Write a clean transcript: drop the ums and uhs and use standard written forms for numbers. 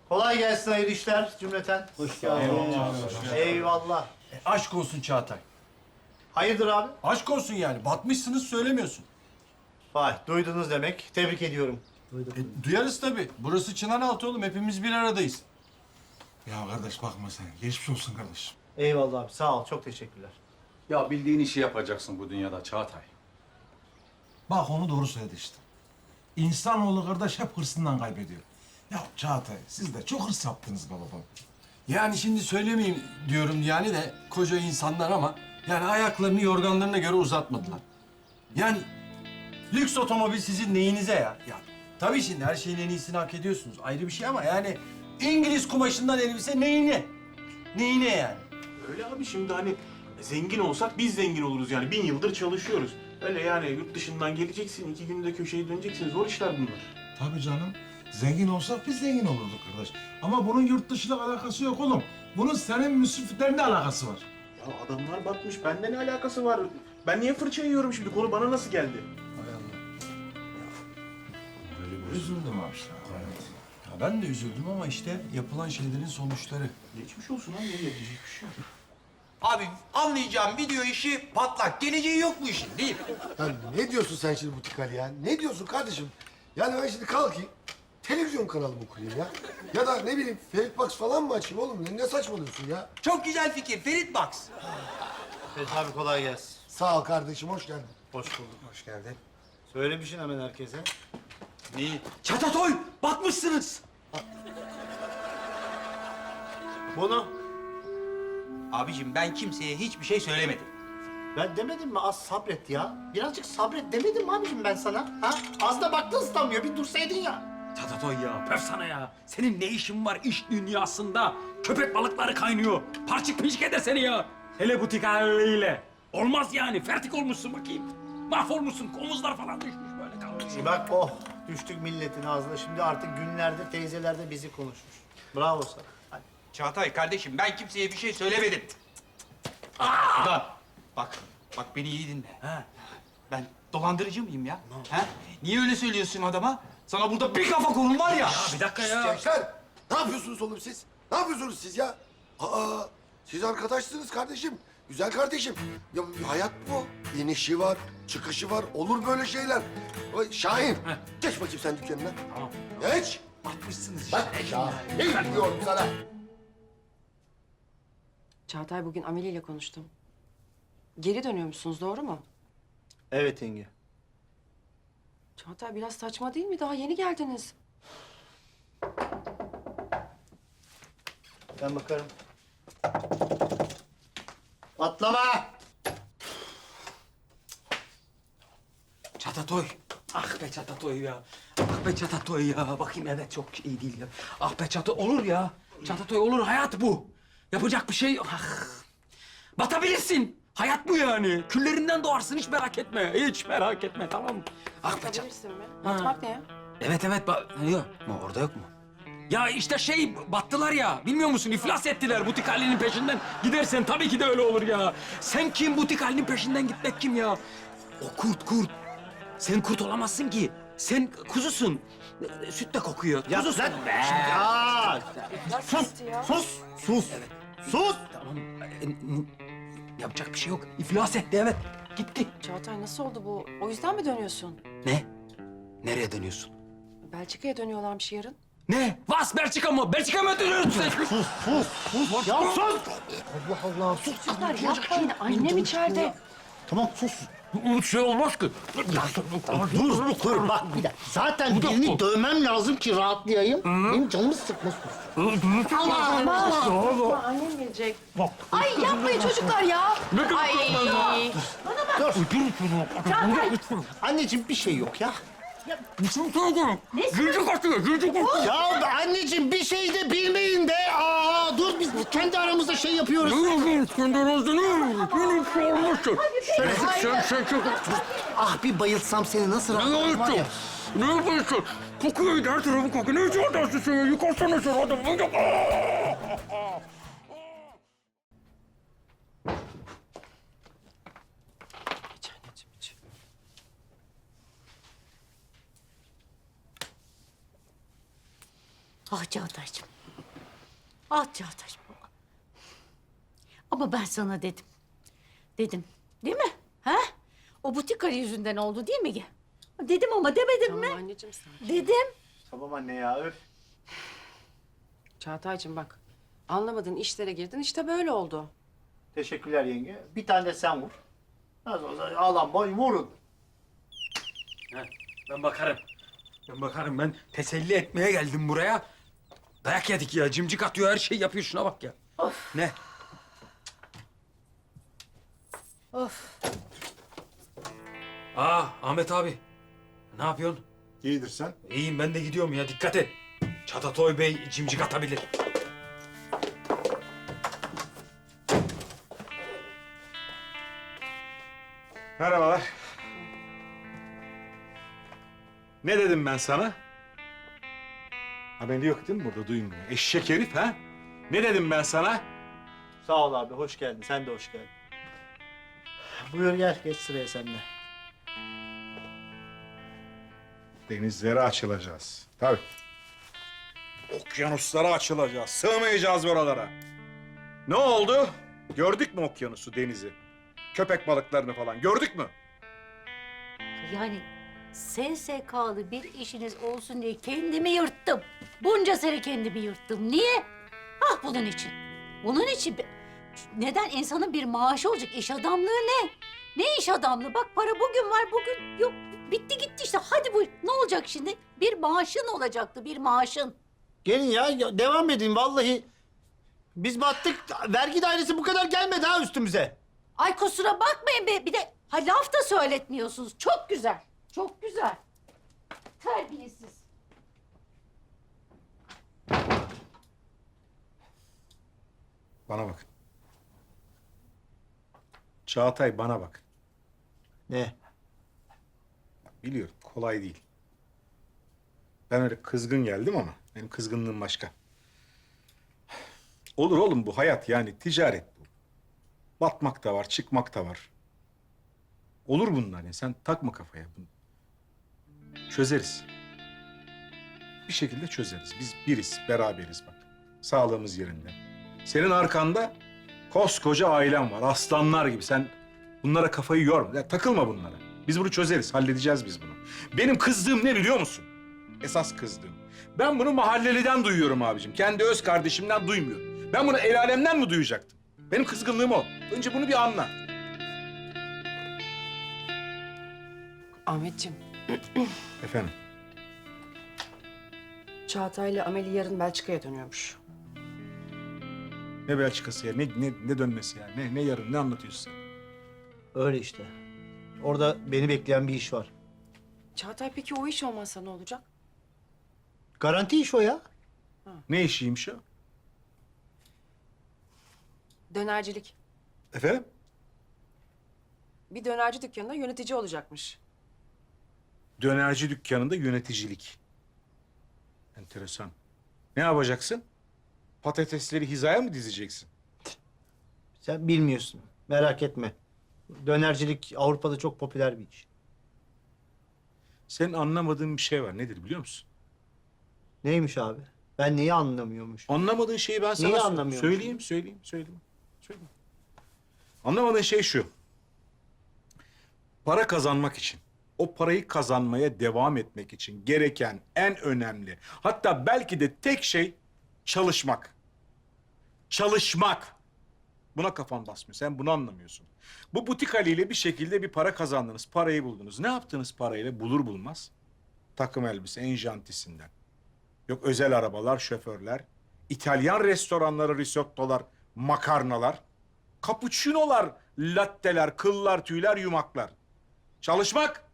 Kolay gelsin, hayırlı işler cümleten. Hoş geldin. Eyvallah. Aşk olsun Çağatay. Hayırdır abi? Aşk olsun yani. Batmışsınız söylemiyorsun. Vay, duydunuz demek. Tebrik ediyorum. Duyarız tabii. Burası Çınaraltı oğlum. Hepimiz bir aradayız. Ya kardeş bakma sen. Geçmiş olsun kardeşim. Eyvallah abi, sağ ol. Çok teşekkürler. Ya bildiğin işi yapacaksın bu dünyada Çağatay. Bak onu doğru söyledi işte. İnsanoğlu kardeş hep hırsından kaybediyor. Ya Çağatay siz de çok hırs yaptınız be babam. Yani şimdi söylemeyeyim diyorum yani de koca insanlar ama yani ayaklarını yorganlarına göre uzatmadılar. Yani lüks otomobil sizin neyinize ya? Ya tabii şimdi her şeyin en iyisini hak ediyorsunuz. Ayrı bir şey ama yani İngiliz kumaşından elbise neyine? Neyine yani? Öyle abi şimdi hani zengin olsak biz zengin oluruz yani. 1000 yıldır çalışıyoruz. Öyle yani yurt dışından geleceksin, 2 günde köşeyi döneceksin. Zor işler bunlar. Tabii canım. Zengin olsak biz zengin olurduk kardeş. Ama bunun yurt dışıyla alakası yok oğlum. Bunun senin müsriflerinle alakası var. Ya adamlar batmış. Bende ne alakası var? Ben niye fırça yiyorum şimdi? Konu bana nasıl geldi? Üzüldüm abi işte. Ya ben de üzüldüm ama işte yapılan şeylerin sonuçları. Geçmiş olsun abi. Ne diyecek bir şey yok. Abi anlayacağım video işi patlak. Geleceği yok bu işin değil mi? Ya ne diyorsun sen şimdi Butik Ali ya? Ne diyorsun kardeşim? Yani ben şimdi kalkayım, televizyon kanalımı kurayım ya. Ya da ne bileyim Ferit Box falan mı açayım oğlum? Ne saçmalıyorsun ya? Çok güzel fikir. Ferit Box. Evet abi, kolay gelsin. Sağ ol kardeşim, hoş geldin. Hoş bulduk. Hoş geldin. Söylemişsin hemen herkese. Neyi? Çatatoy! Batmışsınız. Bunu Abicim ben kimseye hiçbir şey söylemedim. ben demedim mi az sabret ya? Birazcık sabret demedim mi abicim ben sana? Ha? Az da baktın ıslanmıyor, bir dursaydın ya. Çatatoy ya, pöf sana ya. Senin ne işin var iş dünyasında? Köpek balıkları kaynıyor. Parçık pinçik eder seni ya. Hele butik haliyle. Olmaz yani, fertik olmuşsun bakayım. Mahvolmuşsun, omuzlar falan düşmüş böyle kalmış. Bak oh, düştük milletin ağzına. Şimdi artık günlerdir teyzeler de bizi konuşmuş. Bravo sana. Hadi. Çağatay kardeşim ben kimseye bir şey söylemedim. Ulan bak beni iyi dinle. Ha? Ben dolandırıcı mıyım ya? Ha? Niye öyle söylüyorsun adama? Sana burada bir kafa kolum var ya. Bir dakika ya. Gençler, ne yapıyorsunuz oğlum siz? Ne yapıyorsunuz siz ya? Aa, siz arkadaşsınız kardeşim. Güzel kardeşim. Ya hayat bu. İnişi var, çıkışı var. Olur böyle şeyler. Ay, Şahin, geç bakayım sen dükkanına. Tamam. Geç. Batmışsınız işte. Bak Şahin diyorum sana. Çağatay bugün Ameli ile konuştum. Geri dönüyormuşsunuz, doğru mu? Evet yenge. Çağatay biraz saçma değil mi? Daha yeni geldiniz. Ben bakarım. Atlama! Çatatoy. Ah be Çatatoy ya. Ah be Çatatoy ya. Bakayım evet çok iyi değil ya. Ah be Çatatoy olur ya. Çatatoy olur hayat bu. Yapacak bir şey yok. Ah. Batabilirsin. Hayat bu yani. Küllerinden doğarsın hiç merak etme. Hiç merak etme tamam mı? Ah be Çatatoy. Batabilirsin mi? Batmak ne ya? Evet yok. Orada yok mu? Ya işte battılar ya. Bilmiyor musun? İflas ettiler butik halinin peşinden. Gidersen tabii ki de öyle olur ya. Sen kim butik halinin peşinden gitmek kim ya? O kurt. Sen kurt olamazsın ki. Sen kuzusun. Süt de kokuyor. Ya Kuzusun. lan! Ya! Sus! Sus! Sus! Sus! Tamam. Yapacak bir şey yok. İflas etti evet. Gitti. Çağatay nasıl oldu bu? O yüzden mi dönüyorsun? Ne? Nereye dönüyorsun? Belçika'ya dönüyorlarmış yarın. Ne? Vas Belçika mı? Belçika mı dönüyorsun sen? Ya sus! Allah Allah, sus. Çocuklar yapmayın. Annem içeride. Tamam sus. Bir şey olmaz ki. Dur bak bir dakika. Zaten birini dövmem lazım ki rahatlayayım. Benim canımı sıkma sus. Ama annem gelecek. Ay yapmayın çocuklar ya. Ay. Anneciğim bir şey yok ya. Gülcük atıyor, gülcük atıyor. Ya anneciğim bir şey de bilmeyin de. Aa dur biz kendi aramızda şey yapıyoruz. Kendi aranızda ne? Benim şey olmazsın. Sen çok... Ah bir bayılsam seni nasıl Ne rahatlarım var yapıyorsun? ya. Ne yapıyorsun? Kokuyor her tarafı kokuyor. Ne için atarsın sen ya? Yıkarsana sen adamı. İç anneciğim iç. Ah Çağatay'cığım. Ah Çağatay'cığım. Ama ben sana dedim. Dedim. Değil mi? Ha? O butik Ali yüzünden oldu değil mi? Dedim ama demedim mi? Anneciğim sen. Dedim. Tamam anne ya öf. Çağatay'cığım bak. Anlamadın işlere girdin işte böyle oldu. Teşekkürler yenge. Bir tane de sen vur. Nasıl olsa ağlan boy vurun. Ben bakarım. Ben bakarım. Ben teselli etmeye geldim buraya. Dayak yedik ya. Cimcik atıyor, her şey yapıyor. Şuna bak ya. Ne? Of. Ahmet abi. Ne yapıyorsun? İyidir sen. İyiyim, ben de gidiyorum ya. Dikkat et. Çatatoy Bey cimcik atabilir. Merhabalar. Ne dedim ben sana? Haberi yok değil mi burada, duymuyor. Eşek herif ha? Ne dedim ben sana? Sağ ol abi hoş geldin. Sen de hoş geldin. Buyur gel geç sıraya sen de. Denizlere açılacağız. Tabii. Okyanuslara açılacağız. Sığmayacağız buralara. Ne oldu? Gördük mü okyanusu, denizi? Köpek balıklarını falan gördük mü? Yani SSK'lı bir işiniz olsun diye kendimi yırttım. Bunca sene kendimi yırttım. Niye? Ah bunun için. Bunun için. Neden? İnsanın bir maaşı olacak. İş adamlığı ne? Ne iş adamlığı? Bak para bugün var, bugün yok. Bitti gitti işte. Hadi buyur. Ne olacak şimdi? Bir maaşın olacaktı, bir maaşın. Gelin ya devam edin vallahi. Biz battık. Vergi dairesi bu kadar gelmedi ha üstümüze. Ay kusura bakmayın be. Bir de ha, laf da söyletmiyorsunuz. Çok güzel. Çok güzel. Terbiyesiz. Bana bak. Çağatay, bana bak. Ne? Biliyorum kolay değil. Ben öyle kızgın geldim ama benim kızgınlığım başka. Olur oğlum, bu hayat yani ticaret bu. Batmak da var, çıkmak da var. Olur bunlar ya, sen takma kafaya bunu. Çözeriz. Bir şekilde çözeriz. Biz biriz, beraberiz bak. Sağlığımız yerinde. Senin arkanda koskoca ailem var, aslanlar gibi. Sen bunlara kafayı yorma, ya takılma bunlara. Biz bunu çözeriz, halledeceğiz biz bunu. Benim kızdığım ne biliyor musun? Esas kızdığım. Ben bunu mahalleliden duyuyorum abicim. Kendi öz kardeşimden duymuyorum. Ben bunu el alemden mi duyacaktım? Benim kızgınlığım o. Önce bunu bir anla. Ahmetciğim, Efendim? Çağatay'la Ameli yarın Belçika'ya dönüyormuş. Ne Belçikası ya? Ne dönmesi ya? Ne yarın? Ne anlatıyorsun sen? Öyle işte. Orada beni bekleyen bir iş var. Çağatay peki o iş olmazsa ne olacak? Garanti iş o ya. Ne işiymiş o? Dönercilik. Efendim? Bir dönerci dükkanında yönetici olacakmış. Dönerci dükkanında yöneticilik. Enteresan. Ne yapacaksın? Patatesleri hizaya mı dizeceksin? Sen bilmiyorsun. Merak etme. Dönercilik Avrupa'da çok popüler bir iş. Senin anlamadığın bir şey var. Nedir biliyor musun? Neymiş abi? Ben neyi anlamıyormuş? Anlamadığın şeyi ben sana Neyi anlamıyorsun? söyleyeyim. Anlamadığın şey şu. Para kazanmak için, o parayı kazanmaya devam etmek için gereken en önemli, hatta belki de tek şey çalışmak. Çalışmak. Buna kafan basmıyor. Sen bunu anlamıyorsun. Bu butik Ali ile bir şekilde bir para kazandınız. Parayı buldunuz. Ne yaptınız parayla? Bulur bulmaz. Takım elbise en jantisinden. Yok özel arabalar, şoförler. İtalyan restoranları, risottolar, makarnalar. Cappuccino'lar, latteler, kıllar, tüyler, yumaklar. Çalışmak.